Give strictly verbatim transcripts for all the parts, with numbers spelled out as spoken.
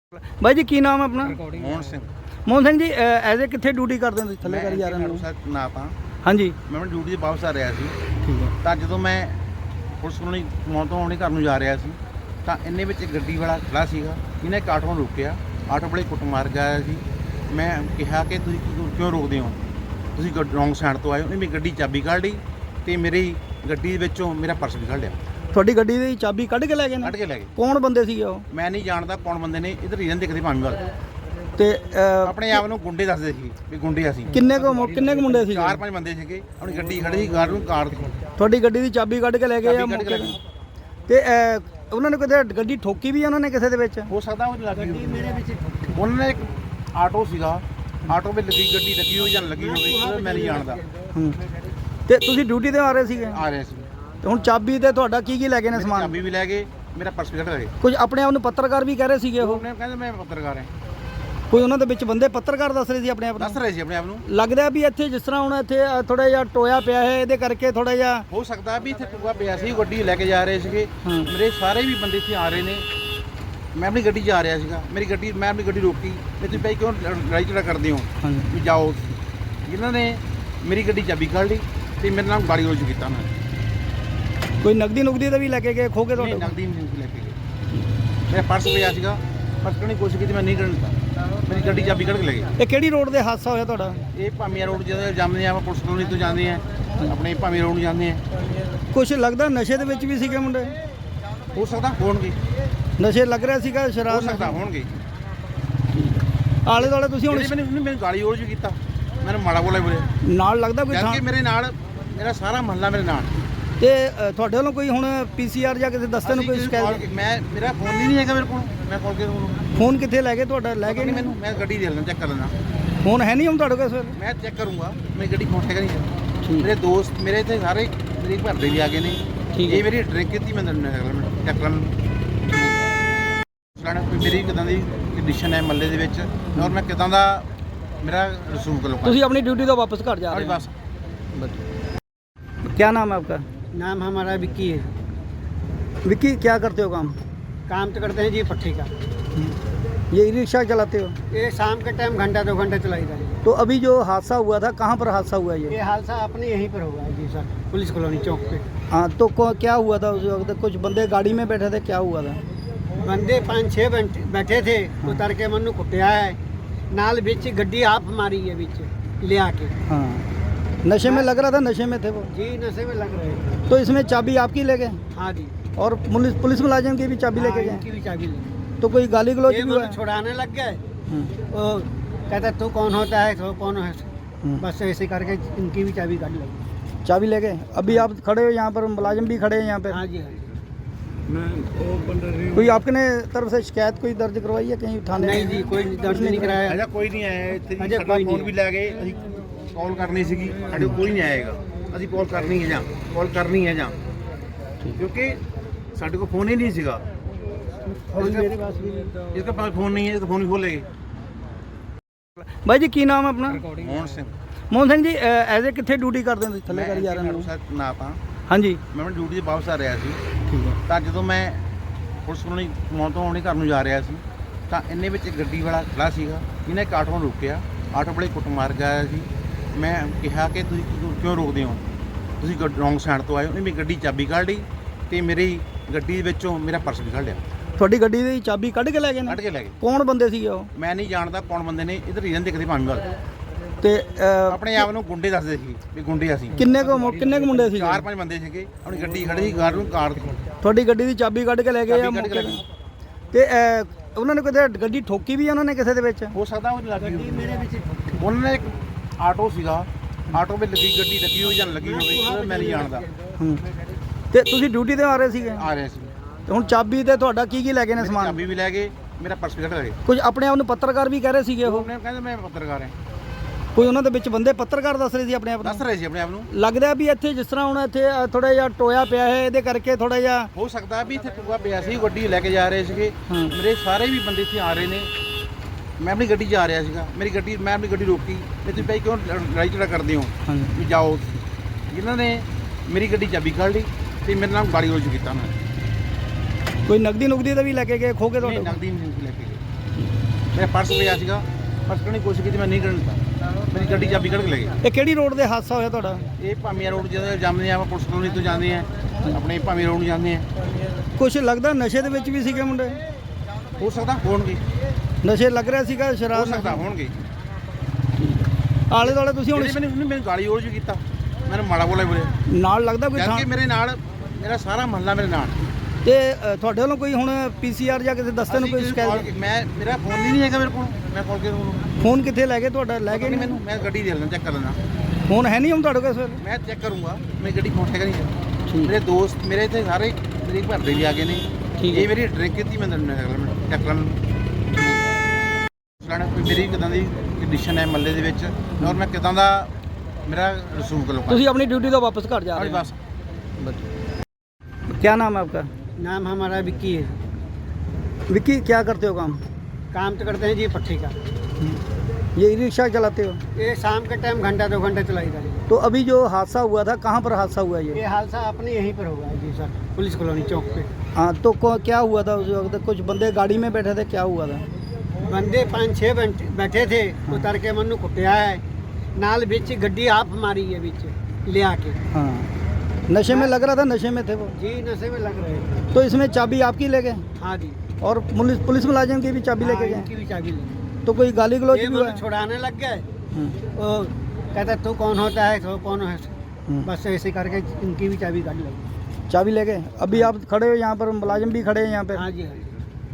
भाई जी की नाम है अपना? मोहन सिंह। मोहन सिंह जी एज ए कितने ड्यूटी करते हैं थले करी जा रहे हैं? ਨਾਪ ਹਾਂ। हाँ जी ਮੈਂ ਆਪਣੀ ਡਿਊਟੀ 'ਤੇ ਵਾਪਸ ਆ ਰਿਹਾ ਸੀ ठीक है। ਤਾਂ ਜਦੋਂ ਮੈਂ ਪੁਲਿਸ ਕੋਲੋਂ ਮੌਂ ਤੋਂ ਆਉਣੀ ਘਰ ਨੂੰ ਜਾ ਰਿਹਾ ਸੀ ਤਾਂ ਇੰਨੇ ਵਿੱਚ ਇੱਕ ਗੱਡੀ ਵਾਲਾ ਖੜਾ ਸੀਗਾ। ਇਹਨੇ ਇੱਕ ਆਟੋ ਨੂੰ ਰੋਕਿਆ, ਆਟੋ ਵਾਲੇ ਕੁੱਟ ਮਾਰ ਗਿਆ ਸੀ। ਮੈਂ ਕਿਹਾ ਕਿ ਤੁਸੀਂ ਕਿਉਂ- ਕਿਉਂ ਰੋਕਦੇ ਹੋ, ਤੁਸੀਂ ਰੌਂਗ ਸਾਈਡ ਤੋਂ ਆਏ ਹੋ। ਉਹਨੇ ਮੇਰੀ ਗੱਡੀ ਚਾਬੀ ਕੱਢ ਲਈ ਤੇ ਮੇਰੀ ਗੱਡੀ ਦੇ ਵਿੱਚੋਂ ਮੇਰਾ ਪਰਸ ਵੀ ਕੱਢ ਲਿਆ, ਤੁਹਾਡੀ ਗੱਡੀ ਦੀ ਚਾਬੀ ਕੱਢ ਕੇ ਲੈ ਗਏ ਕੱਢ ਨੇ? ਕੇ ਲੈ ਗਏ। ਕੌਣ ਬੰਦੇ ਸੀਗੇ ਉਹ? ਮੈਂ ਨਹੀਂ ਜਾਣਦਾ ਕੌਣ ਬੰਦੇ ਨੇ, ਇਧਰ ਰੀਜਨ ਦਿਖਦੇ ਭਾਵੇਂ ਵੱਲ ਤੇ ਅਹ, ਆਪਣੇ ਆਪ ਨੂੰ ਗੁੰਡੇ ਦੱਸਦੇ ਸੀ ਵੀ ਗੁੰਡੇ ਅਸੀਂ। ਕਿੰਨੇ ਕੁ ਮੁ- ਕਿੰਨੇ ਕੁ ਮੁੰਡੇ ਸੀਗੇ? ਚਾਰ ਪੰਜ ਬੰਦੇ ਸੀਗੇ। ਆਪਣੀ ਗੱਡੀ ਖੜੀ ਸੀ, ਗਾਰਡ ਨੂੰ ਕਾਰ ਦੀ ਤੁਹਾਡੀ ਗੱਡੀ ਦੀ ਚਾਬੀ ਕੱਢ ਕੇ ਲੈ ਗਏ ਆ ਚਾਬੀ ਕੱਢ ਕੇ ਲੈ ਮੌਕੇ ਗਏ। ਤੇ? ਤੇ ਅਹ, ਉਹਨਾਂ ਨੇ ਕਿਤੇ ਗੱਡੀ ਠੋਕੀ ਵੀ ਆ ਉਹਨਾਂ ਨੇ ਕਿਸੇ ਦੇ ਵਿੱਚ? ਹੋ ਸਕਦਾ ਉਹ ਲੱਗੀ ਮੇਰੇ ਵਿੱਚ ਉਹਨਾਂ ਨੇ ਇੱਕ ਆਟੋ ਸੀਗਾ, ਆਟੋ ਵਿੱਚ ਲੱਗੀ ਗੱਡੀ ਲੱਗੀ ਹੋਈ ਜਾਂ ਲੱਗੀ ਹੋਵੇ ਉਹ ਮੈਂ ਨਹੀਂ ਜਾਣਦਾ। ਹੂੰ। ਤੇ ਤੁਸੀਂ ਡਿਊਟੀ ਤੇ ਆ ਰਹੇ ਸੀਗੇ ਆ ਰਹੇ ਸੀ, ਤੇ ਹੁਣ ਚਾਬੀ ਤੇ ਤੁਹਾਡਾ ਕੀ ਕੀ ਲੈ ਗਏ ਨੇ ਮੇਰੀ ਸਮਾਨ? ਚਾਬੀ ਵੀ ਲੈ ਗਏ, ਮੇਰਾ ਪਰਸ ਵੀ ਕੱਢ ਲਏ। ਕੁਝ ਆਪਣੇ ਆਪ ਨੂੰ ਪੱਤਰਕਾਰ ਵੀ ਕਹਿ ਰਹੇ ਸੀਗੇ ਉਹ? ਉਹਨੇ ਕਹਿੰਦੇ ਮੈਂ ਪੱਤਰਕਾਰ ਹਾਂ। ਕੋਈ ਉਹਨਾਂ ਦੇ ਵਿੱਚ ਬੰਦੇ ਪੱਤਰਕਾਰ ਦੱਸ ਰਹੇ ਸੀ ਆਪਣੇ ਆਪ ਦੱਸ ਨੂੰ? ਰਹੇ ਸੀ ਆਪਣੇ ਆਪ ਨੂੰ। ਲੱਗਦਾ ਵੀ ਇੱਥੇ ਜਿਸ ਤਰ੍ਹਾਂ ਹੁਣ ਇੱਥੇ ਥੋੜਾ ਜਿਹਾ ਟੋਇਆ ਪਿਆ ਹੈ ਇਹਦੇ ਕਰਕੇ ਥੋੜਾ ਜਿਹਾ ਹੋ ਸਕਦਾ ਵੀ ਇੱਥੇ ਟੁੱਗਾ ਪਿਆ ਸੀ, ਗੱਡੀ ਲੈ ਕੇ ਜਾ ਰਹੇ ਸੀਗੇ। ਹਾਂ। ਮੇਰੇ ਸਾਰੇ ਵੀ ਬੰਦੇ ਇੱਥੇ ਆ ਰਹੇ ਨੇ। ਮੈਂ ਆਪਣੀ ਗੱਡੀ 'ਚ ਆ ਰਿਹਾ ਸੀਗਾ, ਮੇਰੀ ਗੱਡੀ ਮੈਂ ਆਪਣੀ ਗੱਡੀ ਰੋਕੀ ਤੇ ਤੁਸੀਂ ਭਾਈ ਕਿਉਂ ਲੜਾਈ ਝਗੜਾ ਕਰਦੇ ਹੋ ਹਾਂਜੀ ਵੀ ਜਾਓ। ਜਿਨ੍ਹਾਂ ਨੇ ਮੇਰੀ ਗੱਡੀ ਚਾਬੀ ਕੱਢ ਲਈ ਤੇ ਮੇਰੇ ਨਾਲ ਗਾਲੀ ਰੋਜ ਕੀਤਾ ਉਹਨਾਂ ਨੇ। ਕੋਈ ਨਗਦੀ ਨੁਗਦੀ ਤਾਂ ਵੀ ਲੈ ਕੇ ਗਏ ਖੋ ਕੇ ਨਹੀਂ, ਤੁਹਾਡੇ? ਨਕਦੀ ਨਹੀਂ ਲੈ ਕੇ ਗਏ। ਮੇਰਾ ਪਰਸ ਪਿਆ ਸੀਗਾ, ਪਰਸ ਕੱਢਣ ਦੀ ਕੋਸ਼ਿਸ਼ ਕੀਤੀ, ਮੈਂ ਨਹੀਂ ਕਰਨ ਦਿੱਤਾ। ਮੇਰੀ ਗੱਡੀ ਚਾਬੀ ਕੱਢ ਕੇ ਲੈ ਗਏ। ਇਹ ਕਿਹੜੀ ਰੋਡ ਤੇ ਹਾਦਸਾ ਹੋਇਆ ਤੁਹਾਡਾ? ਇਹ ਭਾਮੀਆਂ ਰੋਡ ਜਦੋਂ ਜਾਂਦੇ ਆ, ਆਪਾਂ ਪੁਲਿਸ ਕਲੋਨੀ ਤੋਂ ਜਾਂਦੇ ਆ, ਆਪਣੇ ਭਾਮੀਆਂ ਰੋਡ ਨੂੰ ਜਾਂਦੇ ਆ। ਕੁਝ ਲੱਗਦਾ ਨਸ਼ੇ ਦੇ ਵਿੱਚ ਵੀ ਸੀਗੇ ਮੁੰਡੇ? ਹੋ ਸਕਦਾ ਹੋਣਗੇ, ਨਸ਼ੇ ਲੱਗ ਰਿਹਾ ਸੀਗਾ ਹੋ ਸ਼ਰਾਬ ਸਕਦਾ ਨਾਲ? ਹੋਣਗੇ। ਆਲੇ ਦੁਆਲੇ ਤੁਸੀਂ ਹੁਣ ਜਿਹੜੇ ਮੈਨੂੰ ਮੈਨੂੰ ਗਾਲੀ ਰੋਜ ਵੀ ਕੀਤਾ, ਮੈਨੂੰ ਮਾੜਾ ਬੋਲਿਆ ਬੋਲਿਆ। ਨਾਲ ਲੱਗਦਾ ਕੋਈ ਜਦ ਥਾਂ? ਕਿ ਮੇਰੇ ਨਾਲ ਮੇਰਾ ਸਾਰਾ ਮਹੱਲਾ ਮੇਰੇ ਨਾਲ। ਤੇ ਅ, ਤੁਹਾਡੇ ਵੱਲੋਂ ਕੋਈ ਹੁਣ ਪੀਸੀਆਰ ਜਾਂ ਕਿਸੇ ਦਸਤੇ ਨੂੰ ਕੋਈ ਅਸੀਂ ਸ਼ਿਕਾਇਤ? call- ਮੈਂ ਮੇਰਾ ਫੋਨ ਹੀ ਨਹੀਂ ਹੈਗਾ ਮੇਰੇ ਕੋਲ, ਮੈਂ ਕਾਲ ਕੇ ਤੁਹਾਨੂੰ ਫੋਨ ਕਿੱਥੇ ਲੈ ਗਏ ਤੁਹਾਡਾ? ਲੈ ਗਏ ਨਹੀਂ, ਨਹੀਂ? ਮੈਨੂੰ ਮੈਂ ਗੱਡੀ ਦੇ ਲੈਣਾ, ਚੈੱਕ ਕਰ ਲੈਣਾ। ਫੋਨ ਹੈ ਨਹੀਂ ਹੁਣ ਤੁਹਾਡੇ ਕੋਲ ਸਰ? ਮੈਂ ਚੈੱਕ ਕਰੂੰਗਾ ਮੇਰੀ ਗੱਡੀ ਫੋਨ ਹੈਗਾ ਨਹੀਂ। ਠੀਕ। ਮੇਰੇ ਦੋਸਤ ਮੇਰੇ ਇੱਥੇ ਸਾਰੇ ਮੇਰੇ ਘਰ ਦੇ ਵੀ ਆ ਗਏ ਨੇ। ਠੀਕ ਹੈ। ਇਹ ਮੇਰੀ ਡਰਿੰਕ ਕੀਤੀ ਮੈਂ ਤੁਹਾਨੂੰ ਚੈੱਕ ਕਰਨ ਸੁਣਾਣਾ ਵੀ ਮੇਰੀ ਕਿਦਾਂ ਦੀ ਕੰਡੀਸ਼ਨ ਹੈ ਮੱਲੇ ਦੇ ਵਿੱਚ, ਔਰ ਮੈਂ ਕਿਦਾਂ ਦਾ ਮੇਰਾ ਰਸੂਖ ਲੋਕਾਂ ਤੁਸੀਂ ਆਪਣੀ ਡਿਊਟੀ ਤੋਂ ਵਾਪਸ ਘਰ ਜਾ ਆਪਣੀ ਰਹੇ ਬਸ। हो? क्या नाम है आपका? नाम हमारा विक्की है। विक्की क्या करते हो काम? काम तो करते हैं जी पट्टी का। ये ई रिक्शा चलाते हो? ये शाम के टाइम घंटा दो घंटा चलाई जाए। तो अभी जो हादसा हुआ था कहाँ पर हादसा हुआ ये? ये हादसा अपने यहीं पर हुआ है जी सर, पुलिस कॉलोनी चौक पे। हाँ तो को, क्या हुआ था उस वक्त? कुछ बंदे गाड़ी में बैठे थे, क्या हुआ था? बंदे पाँच छः बंटे बैठे थे, उतर के मनु कुटिया है नाल बिच गड्डी आप मारी है बिच ले आके। हाँ नशे में लग रहा था, नशे में थे वो? जी नशे में लग रहे हैं। तो इसमें चाबी आपकी ले गए हाँ जी। और पुलिस पुलिस मुलाजिम की भी चाबी लेके हाँ, गए? इनकी भी चाबी ली। तो कोई गाली गलौज ये भी हुआ मनु है? छुड़ाने लग गए। हाँ, वो कहता तू कौन होता है, तो कौन है। हाँ। बस ऐसे करके इनकी भी चाबी काट लगी। चाबी ले गए? अभी आप खड़े हो यहाँ पर, मुलाजिम भी खड़े हैं यहाँ पे? हाँ जी हाँ जी। कोई आपने तरफ से शिकायत कोई दर्ज करवाई है कहीं थाने? नहीं जी कोई दर्ज नहीं कराया। ਅਜਾ ਕੋਈ ਨਹੀਂ ਆਇਆ ਇੱਥੇ ਜੀ। ਅਜੇ ਸਾਡਾ ਕੋਈ ਫੋਨ ਨਹੀਂ ਵੀ ਲੈ ਗਏ, ਅਸੀਂ ਕਾਲ ਕਰਨੀ ਸੀਗੀ, ਸਾਡੇ ਕੋਲ ਕੋਈ ਨਹੀਂ ਆਏਗਾ। ਅਸੀਂ ਕਾਲ ਕਰਨੀ ਹੈ ਜਾਂ ਕਾਲ ਕਰਨੀ ਹੈ ਜਾਂ ਕਿਉਂਕਿ ਸਾਡੇ ਕੋਲ ਫੋਨ ਹੀ ਨਹੀਂ ਸੀਗਾ। फोन मेरे पास भी नहीं। इसके पास फोन नहीं है तो फोन भी खोल लेंगे। भाई जी की नाम है अपना? मोहन सिंह। मोहन सिंह जी एज ए कितने ड्यूटी करते हैं थले करी जा रहे हैं? ਨਾਪ ਹਾਂ। हाँ जी ਮੈਂ ਆਪਣੀ ਡਿਊਟੀ 'ਤੇ ਵਾਪਸ ਆ ਰਿਹਾ ਸੀ ठीक है। ਤਾਂ ਜਦੋਂ ਮੈਂ ਪੁਲਿਸ ਕੋਲੋਂ ਮੌਂ ਤੋਂ ਆਉਣੀ ਘਰ ਨੂੰ ਜਾ ਰਿਹਾ ਸੀ ਤਾਂ ਇੰਨੇ ਵਿੱਚ ਇੱਕ ਗੱਡੀ ਵਾਲਾ ਖੜਾ ਸੀਗਾ। ਇਹਨੇ ਇੱਕ ਆਟੋ ਨੂੰ ਰੋਕਿਆ, ਆਟੋ ਵਾਲੇ ਕੁੱਟ ਮਾਰ ਗਿਆ ਸੀ। ਮੈਂ ਕਿਹਾ ਕਿ ਤੁਸੀਂ ਕਿਉਂ- ਕਿਉਂ ਰੋਕਦੇ ਹੋ, ਤੁਸੀਂ ਰੌਂਗ ਸਾਈਡ ਤੋਂ ਆਏ ਹੋ। ਉਹਨੇ ਮੇਰੀ ਗੱਡੀ ਚਾਬੀ ਕੱਢ ਲਈ ਤੇ ਮੇਰੀ ਗੱਡੀ ਦੇ ਵਿੱਚੋਂ ਮੇਰਾ ਪਰਸ ਵੀ ਕੱਢ ਲਿਆ, ਤੁਹਾਡੀ ਗੱਡੀ ਦੀ ਚਾਬੀ ਕੱਢ ਕੇ ਲੈ ਗਏ ਨੇ? ਕੱਢ ਕੇ ਲੈ ਗਏ। ਕੌਣ ਬੰਦੇ ਸੀਗੇ ਉਹ? ਮੈਂ ਨਹੀਂ ਜਾਣਦਾ ਕੌਣ ਬੰਦੇ ਨੇ, ਇਧਰ ਰੀਜਨ ਦਿਖਦੇ ਭਾਵੇਂ ਵੱਲ ਤੇ ਅ, ਆਪਣੇ ਆਪ ਨੂੰ ਗੁੰਡੇ ਦੱਸਦੇ ਸੀ ਵੀ ਗੁੰਡੇ ਅਸੀਂ। ਕਿੰਨੇ ਕੁ ਮੁ- ਕਿੰਨੇ ਕੁ ਮੁੰਡੇ ਸੀਗੇ? ਚਾਰ ਪੰਜ ਬੰਦੇ ਸੀਗੇ। ਆਪਣੀ ਗੱਡੀ ਖੜੀ ਸੀ, ਗਾਰਡ ਨੂੰ ਕਾਰ ਦੀ ਤੁਹਾਡੀ ਗੱਡੀ ਦੀ ਚਾਬੀ ਕੱਢ ਕੇ ਲੈ ਗਏ ਆ ਚਾਬੀ ਕੱਢ ਕੇ ਮੌਕੇ ਲੈ ਤੇ? ਤੇ ਅ, ਉਹਨਾਂ ਨੇ ਕਿਤੇ ਗੱਡੀ ਠੋਕੀ ਵੀ ਆ ਉਹਨਾਂ ਨੇ ਕਿਸੇ ਦੇ ਵਿੱਚ? ਹੋ ਸਕਦਾ ਉਹ ਲੱਗੀ ਹੋਵੇ। मेरे पीछे ਉਹਨਾਂ ਨੇ ਇੱਕ ਆਟੋ ਸੀਗਾ, ਆਟੋ ਵਿੱਚ ਲੱਗੀ ਗੱਡੀ ਲੱਗੀ ਹੋਈ ਜਾਂ ਲੱਗੀ ਹੋਵੇ ਉਹ ਮੈਂ ਨਹੀਂ ਜਾਣਦਾ। ਹੂੰ। ਤੇ ਤੁਸੀਂ ਡਿਊਟੀ ਤੇ ਆ ਰਹੇ ਸੀਗੇ? ਆ ਰਿਹਾ ਸੀ, ਤੇ ਹੁਣ ਚਾਬੀ ਤੇ ਤੁਹਾਡਾ ਕੀ ਕੀ ਲੈ ਗਏ ਨੇ ਮੇਰੀ ਸਮਾਨ? ਚਾਬੀ ਵੀ ਲੈ ਗਏ, ਮੇਰਾ ਪਰਸ ਵੀ ਕੱਢ ਲਏ। ਕੁਝ ਆਪਣੇ ਆਪ ਨੂੰ ਪੱਤਰਕਾਰ ਵੀ ਕਹਿ ਰਹੇ ਸੀਗੇ ਉਹ? ਉਹਨੇ ਕਹਿੰਦੇ ਮੈਂ ਪੱਤਰਕਾਰ ਹਾਂ। ਕੋਈ ਉਹਨਾਂ ਦੇ ਵਿੱਚ ਬੰਦੇ ਪੱਤਰਕਾਰ ਦੱਸ ਰਹੇ ਸੀ ਆਪਣੇ ਆਪ ਦੱਸ ਨੂੰ? ਰਹੇ ਸੀ ਆਪਣੇ ਆਪ ਨੂੰ। ਲੱਗਦਾ ਵੀ ਇੱਥੇ ਜਿਸ ਤਰ੍ਹਾਂ ਹੁਣ ਇੱਥੇ ਥੋੜਾ ਜਿਹਾ ਟੋਇਆ ਪਿਆ ਹੈ ਇਹਦੇ ਕਰਕੇ ਥੋੜਾ ਜਿਹਾ ਹੋ ਸਕਦਾ ਵੀ ਇੱਥੇ ਟੁੱਗਾ ਪਿਆ ਸੀ, ਗੱਡੀ ਲੈ ਕੇ ਜਾ ਰਹੇ ਸੀਗੇ। ਹਾਂ। ਮੇਰੇ ਸਾਰੇ ਵੀ ਬੰਦੇ ਇੱਥੇ ਆ ਰਹੇ ਨੇ। ਮੈਂ ਆਪਣੀ ਗੱਡੀ 'ਚ ਆ ਰਿਹਾ ਸੀਗਾ, ਮੇਰੀ ਗੱਡੀ ਮੈਂ ਆਪਣੀ ਗੱਡੀ ਰੋਕੀ ਤੇ ਤੁਸੀਂ ਭਾਈ ਕਿਉਂ ਲੜਾਈ ਝਗੜਾ ਕਰਦੇ ਹੋ ਹਾਂਜੀ ਵੀ ਜਾਓ। ਜਿਨ੍ਹਾਂ ਨੇ ਮੇਰੀ ਗੱਡੀ ਚਾਬੀ ਕੱਢ ਲਈ ਤੇ ਮੇਰੇ ਨਾਲ ਗਾਲੀ ਰੋਜ ਕੀਤਾ ਉਹਨਾਂ ਨੇ। ਕੋਈ ਨਗਦੀ ਨੁਗਦੀ ਤਾਂ ਵੀ ਲੈ ਕੇ ਗਏ ਖੋ ਕੇ ਨਹੀਂ, ਤੁਹਾਡੇ? ਨਕਦੀ ਨਹੀਂ ਲੈ ਕੇ ਗਏ। ਮੇਰਾ ਪਰਸ ਪਿਆ ਸੀਗਾ, ਪਰਸ ਕੱਢਣ ਦੀ ਕੋਸ਼ਿਸ਼ ਕੀਤੀ, ਮੈਂ ਨਹੀਂ ਕੱਢਣ ਦਿੱਤਾ, ਮੇਰੀ ਗੱਡੀ ਚਾਬੀ ਕੱਢ ਕੇ ਲੈ ਗਏ। ਇਹ ਕਿਹੜੀ ਰੋਡ ਦੇ ਹਾਦਸਾ ਹੋਇਆ ਤੁਹਾਡਾ? ਇਹ ਭਾਮੀਆਂ ਰੋਡ ਜਦੋਂ ਜਾਂਦੇ ਆ, ਆਪਾਂ ਪੁਲਿਸ ਕਲੋਨੀ ਤੋਂ ਜਾਂਦੇ ਆ, ਆਪਣੇ ਭਾਮੀਆਂ ਰੋਡ ਨੂੰ ਜਾਂਦੇ ਆ। ਕੁਝ ਲੱਗਦਾ ਨਸ਼ੇ ਦੇ ਵਿੱਚ ਵੀ ਸੀਗੇ ਮੁੰਡੇ? ਹੋ ਸਕਦਾ ਹੋਣਗੇ, ਨਸ਼ੇ ਲੱਗ ਰਿਹਾ ਸੀਗਾ, ਹੋ ਸ਼ਰਾਬ ਸਕਦਾ ਹੋਣਗੇ। ਆਲੇ ਦੁਆਲੇ ਤੁਸੀਂ ਹੁਣ ਜਿਹੜੇ ਮੈਨੂੰ ਉਹਨੇ ਮੈਨੂੰ ਗਾਲੀ ਗਲੋਚ ਵੀ ਕੀਤਾ, ਮੈਨੂੰ ਮਾੜਾ ਬੋਲਿਆ ਬੋਲਿਆ, ਨਾਲ ਲੱਗਦਾ ਕੋਈ ਜਦ ਥਾਂ- ਕਿ ਮੇਰੇ ਨਾਲ ਮੇਰਾ ਸਾਰਾ ਮਹੱਲਾ ਮੇਰੇ ਨਾਲ। ਤੇ ਅ, ਤੁਹਾਡੇ ਵੱਲੋਂ ਕੋਈ ਹੁਣ ਪੀਸੀਆਰ ਜਾਂ ਕਿਸੇ ਦਸਤੇ ਨੂੰ ਕੋਈ ਅਸੀਂ ਸ਼ਿਕਾਇਤ? call- ਮੈਂ ਮੇਰਾ ਫੋਨ ਹੀ ਨਹੀਂ ਹੈਗਾ ਮੇਰੇ ਕੋਲ, ਮੈਂ ਕਾਲ ਕੇ ਉਹਨੂੰ ਫੋਨ ਕਿੱਥੇ ਲੈ ਗਏ ਤੁਹਾਡਾ? ਲੈ ਗਏ ਨਹੀਂ ਨਹੀਂ ਮੈਨੂੰ, ਮੈਂ ਗੱਡੀ ਦੇ ਲੈਣਾ, ਚੈੱਕ ਕਰ ਲੈਣਾ, ਫੋਨ ਹੈ ਨਹੀਂ ਹੁਣ ਤੁਹਾਡੇ ਕੋਲ ਸਰ? ਮੈਂ ਚੈੱਕ ਕਰੂੰਗਾ, ਮੇਰੀ ਗੱਡੀ ਫੋਨ ਹੈਗਾ ਨਹੀਂ। ਠੀਕ। ਮੇਰੇ ਦੋਸਤ ਮੇਰੇ ਇੱਥੇ ਸਾਰੇ ਮੇਰੇ ਘਰ ਦੇ ਵੀ ਆ ਗਏ ਨੇ। ਠੀਕ ਹੈ। ਇਹ ਮੇਰੀ ਡਰਿੰਕ ਕੀਤੀ, ਮੈਂ ਤੁਹਾਨੂੰ ਚੈੱਕ ਕਰ ਲੈਣਾ ਮੇਰੀ ਕਿਦਾਂ ਦੀ ਕੰਡੀਸ਼ਨ ਹੈ ਮੱਲੇ ਦੇ ਵਿੱਚ, ਔਰ ਮੈਂ ਕਿਦਾਂ ਦਾ ਮੇਰਾ ਰਸੂਖ ਲੋਕਾਂ ਤੁਸੀਂ ਆਪਣੀ ਡਿਊਟੀ ਤੋਂ ਵਾਪਸ ਘਰ ਜਾ ਆਪਣੀ ਰਹੇ ਬਸ। हो? क्या नाम है आपका? नाम हमारा विक्की है। विक्की, क्या करते हो काम? काम तो करते हैं जी पट्टी का। ये ई रिक्शा चलाते हो? ये शाम के टाइम घंटा दो घंटे चलाई था। तो अभी जो हादसा हुआ था, कहाँ पर हादसा हुआ ये? ये हादसा अपने यहीं पर हुआ है जी सर, पुलिस कॉलोनी चौक पे। हाँ, तो को- क्या हुआ था उस वक्त? कुछ बंदे गाड़ी में बैठे थे, क्या हुआ था? बंदे पाँच छः बैठे बैठे थे, उतर के मनु कुटिया है, नाल बिच गड्डी आप मारी है बिच ले आके। हाँ, नशे में लग रहा था, नशे में थे वो। जी नशे में लग रहे थे। तो इसमें चाबी आपकी ले गए हाँ जी, और पुलिस पुलिस मुलाजिम की भी चाबी हाँ, लेके गए? इनकी भी चाबी ले। तो कोई गाली गलौज ये भी हुआ मनु है? छुड़ाने लग गए। हम्म, वो कहता तू कौन होता है, तो कौन है, हम्म। बस ऐसे करके इनकी भी चाबी काट लगी। चाबी ले गए। अभी आप खड़े हो यहाँ पर, मुलाजिम भी खड़े हैं यहाँ पे। हाँ जी, हाँ जी।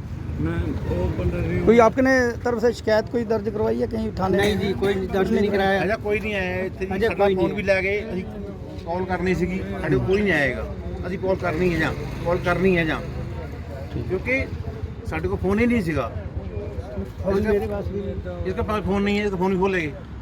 कोई आपने तरफ से शिकायत कोई दर्ज करवाई है कहीं थाने? नहीं जी, कोई दर्ज नहीं कराया। ਅਜਾ ਕੋਈ ਨਹੀਂ ਆਇਆ ਇੱਥੇ ਜੀ, ਅਜੇ ਸਾਡਾ ਕੋਈ ਫੋਨ ਨਹੀਂ। ਵੀ ਲੈ ਗਏ, ਅਸੀਂ ਕਾਲ ਕਰਨੀ ਸੀਗੀ, ਸਾਡੇ ਕੋਲ ਕੋਈ ਨਹੀਂ ਆਏਗਾ, ਅਸੀਂ ਕਾਲ ਕਰਨੀ ਹੈ ਜਾਂ ਕਾਲ ਕਰਨੀ ਹੈ ਜਾਂ ਕਿਉਂਕਿ ਸਾਡੇ ਕੋਲ ਫੋਨ ਹੀ ਨਹੀਂ ਸੀਗਾ। फोन मेरे पास भी नहीं। इसका पास फोन नहीं है, इसका फोन भी खोल लेंगे।